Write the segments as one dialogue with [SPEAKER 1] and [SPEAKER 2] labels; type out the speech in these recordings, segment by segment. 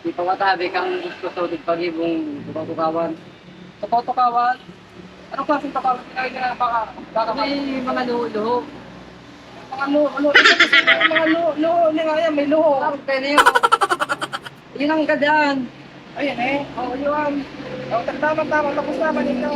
[SPEAKER 1] Di pa matabi kang gusto sa ulit pag-ibong tukaw-tukawan.
[SPEAKER 2] Tukaw-tukawan. Anong klaseng tukawan? Kinain na baka
[SPEAKER 1] May mga luho-luho.
[SPEAKER 2] mga luho. Ito kasi may mga luho na nga yan, may luho.
[SPEAKER 1] Tapos kaya na yun. Yun ang kadaan.
[SPEAKER 2] Ayan eh. Oo, yun. Oo, tama. Tapos naman ito.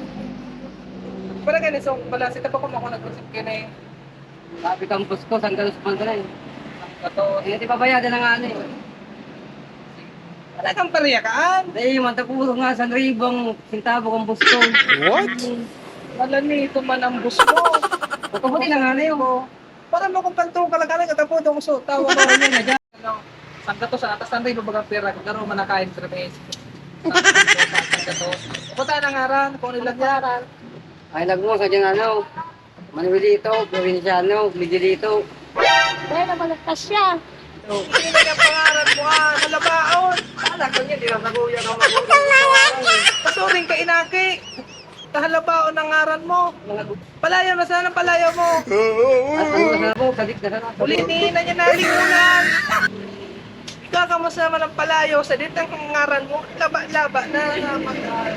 [SPEAKER 2] Pala ganun, so pala si Tapo ako nag-usip ka na eh.
[SPEAKER 1] Sabi campus ko, saan ka nasupunta na eh.
[SPEAKER 2] Ito.
[SPEAKER 1] Eh, di pa bayadan na nga ano eh.
[SPEAKER 2] Wala kang pariyakaan.
[SPEAKER 1] Eh, matapuso nga sa ribong sintabo kong busto.
[SPEAKER 3] What?
[SPEAKER 2] Wala nito man ang bus mo.
[SPEAKER 1] Pagkabuti na nga na yun.
[SPEAKER 2] Para mo kung pantong kalagalan, katapo dong so, tawa ko niya na dyan. Ano, saan ka to sa atas, saan rin babagang pera, kung gano'n manakain sa remes. Saan ka to? Punta na ngaran, kung nilagyan.
[SPEAKER 1] Ay, nagmo sa dyan ano. Manuelito, Provinciano, Miguelito.
[SPEAKER 4] Dahil naman siya.
[SPEAKER 2] Hindi na yung pangaran mo nalabaon.
[SPEAKER 1] Anak ko niya, di ba naguyan ako.
[SPEAKER 2] Pasuring ka inaki. Kahalabaon ang ngaran mo. Palayaw na sana ang palayaw mo.
[SPEAKER 1] At ano na mo, sadik na sana.
[SPEAKER 2] Ulinin na niya nalingunan. Kakamos naman ang palayaw sa dit ang ngaran mo. Laba na naman.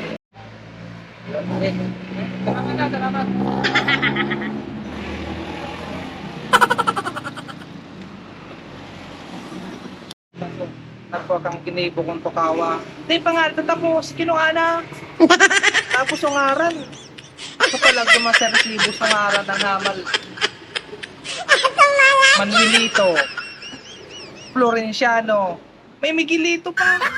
[SPEAKER 2] Salamat. Nagpo kang ginibo kong tukawa. Di pa nga, tapos, kinuha na. Tapos ang ngaran. Ito palang dumasa resibo sa ngaran ng hamal. Manuelito. Florenciano. May Miguelito pa.